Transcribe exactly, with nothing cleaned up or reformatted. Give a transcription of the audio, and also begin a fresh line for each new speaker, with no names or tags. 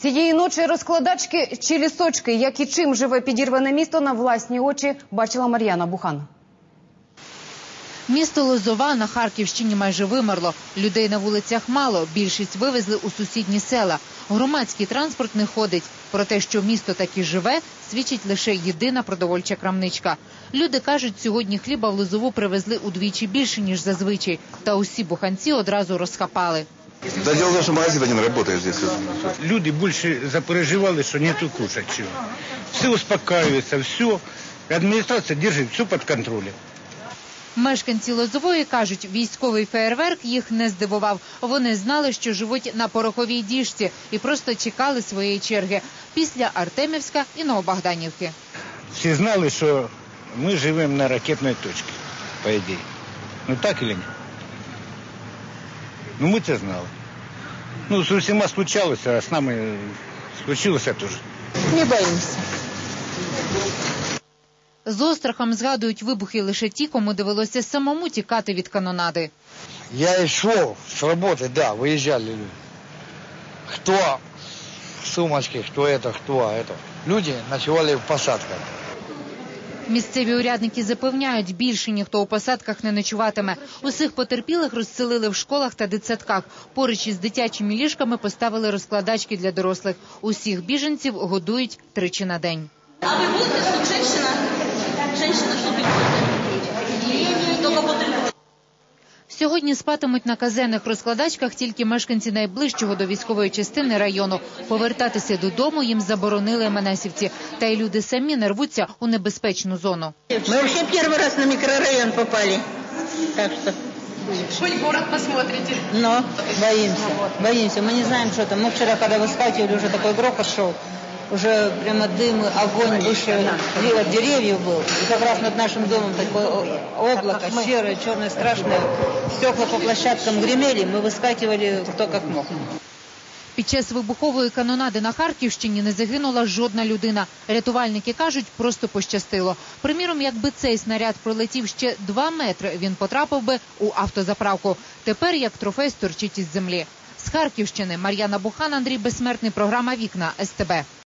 Цієї ночі розкладачки чи лісочки, як і чим живе підірване місто, на власні очі бачила Мар'яна Бухан.
Місто Лозова на Харківщині майже вимерло. Людей на вулицях мало, більшість вивезли у сусідні села. Громадський транспорт не ходить. Про те, що місто таки живе, свідчить лише єдина продовольча крамничка. Люди кажуть, сьогодні хліба в Лозову привезли удвічі більше, ніж зазвичай. Та усі буханці одразу розхапали.
Да дело в том, что магазин не работает здесь.
Люди больше запереживали, что нету кушать чего. Все успокаивается, все. Администрация держит все под контролем.
Мешканці Лозової кажуть, військовий феєрверк їх не здивував. Вони знали, що живуть на пороховій діжці і просто чекали своєї черги після Артемівська і Новобогданівки.
Всі знали, що ми живемо на ракетній точці, по ідеї. Ну так чи ні? Ну ми це знали. Ну з усіма случалося, а з нами случилося теж.
Не боїмося.
З острахом згадують вибухи лише ті, кому довелося самому тікати від канонади.
Я йшов з роботи, да, виїжджали люди. Хто сумочки, хто це, хто це. Люди ночували в посадках.
Місцеві урядники запевняють, більше ніхто у посадках не ночуватиме. Усіх потерпілих розселили в школах та дитсадках. Поруч із дитячими ліжками поставили розкладачки для дорослих. Усіх біженців годують тричі на день.
А ви будете тут женщина? Женщина, що підходить? Тільки потерпіли.
Сьогодні спатимуть на казенних розкладачках тільки мешканці найближчого до військової частини району. Повертатися додому їм заборонили МНСівці. Та й люди самі не рвуться у небезпечну зону.
Ми взагалі перший раз на мікрорайон попали. Так що...
Хоть город посмотрите.
Но боимся, боимся. Мы не знаем, что там. Мы вчера, когда выскакивали, уже такой грохот шел. Уже прямо дым, огонь выше от деревьев был. И как раз над нашим домом такое облако серое, черное, страшное. Стекла по площадкам гремели, мы выскакивали кто как мог.
Під час вибухової канонади на Харківщині не загинула жодна людина. Рятувальники кажуть, просто пощастило. Приміром, якби цей снаряд пролетів ще два метри, він потрапив би у автозаправку. Тепер як трофей сторчить із землі. З Харківщини Мар'яна Бухан, Андрій Безсмертний, програма «Вікна», ес те бе.